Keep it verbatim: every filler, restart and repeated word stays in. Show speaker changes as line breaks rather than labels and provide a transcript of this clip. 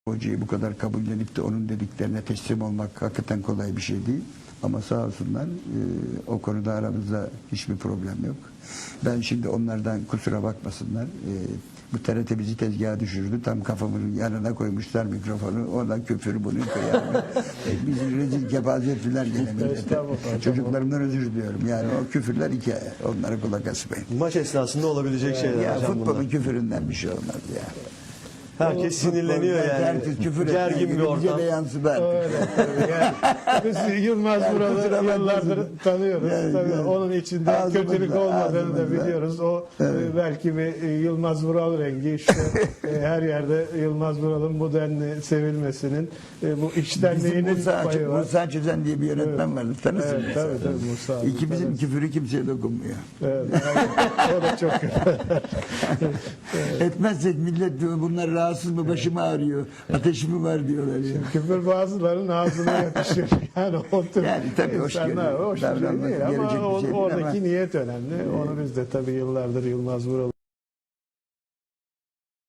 Hocayı bu kadar kabullenip de onun dediklerine teslim olmak hakikaten kolay bir şey değil. Ama sağ olsunlar e, o konuda aramızda hiçbir problem yok. Ben şimdi onlardan kusura bakmasınlar. E, bu T R T bizi tezgaha düşürdü. Tam kafamın yanına koymuşlar mikrofonu. Oradan küfür bunu kıyar. e, bizi rezil kepaze ettiler gene millete. Çocuklarımdan özür diliyorum. Yani o küfürler hikaye. Onlara kulak asmayın.
Maç esnasında olabilecek şeyler
Ya
hocam
futbolun
bunlar.
küfüründen bir şey olmaz ya.
Herkes sinirleniyor yani.
Herkes küfür
Gergin bir ortam.
Bize de yansıdı.
Yani, biz Yılmaz
Yani
Vural'ı
kusura
yıllardır
bakmasın.
tanıyoruz.
Yani,
Tabii
yani.
onun içinde
Ağzımızda,
kötülük olmadığını da
ağzımızda.
biliyoruz. O
Evet.
e, belki bir e, Yılmaz Vural rengi işte e, her yerde Yılmaz Vural'ın bu denli sevilmesinin e, bu
Bizim
içtenliğinin
Musa,
payı var.
Musa Çözen diye bir yönetmen vardı. Tanırsın
Evet,
mesela.
tabii, tabii, Musa abi,
İkimizin
tanırız.
küfürü kimseye dokunmuyor.
Evet, aynen. O da çok
Etmezsek millet diyor, bunlar rahatsız mı, başım ağrıyor, ateşi mi var diyorlar ya.
küfür bazılarının ağzına yakışır. Yani o tür
Yani tabii hoş
insanlar
görüyorum.
hoş bir şey
Davranması
değil ama
gelecek bir
o-
şey değil
oradaki
ama-
niyet önemli. Onu biz de tabii yıllardır Yılmaz Vural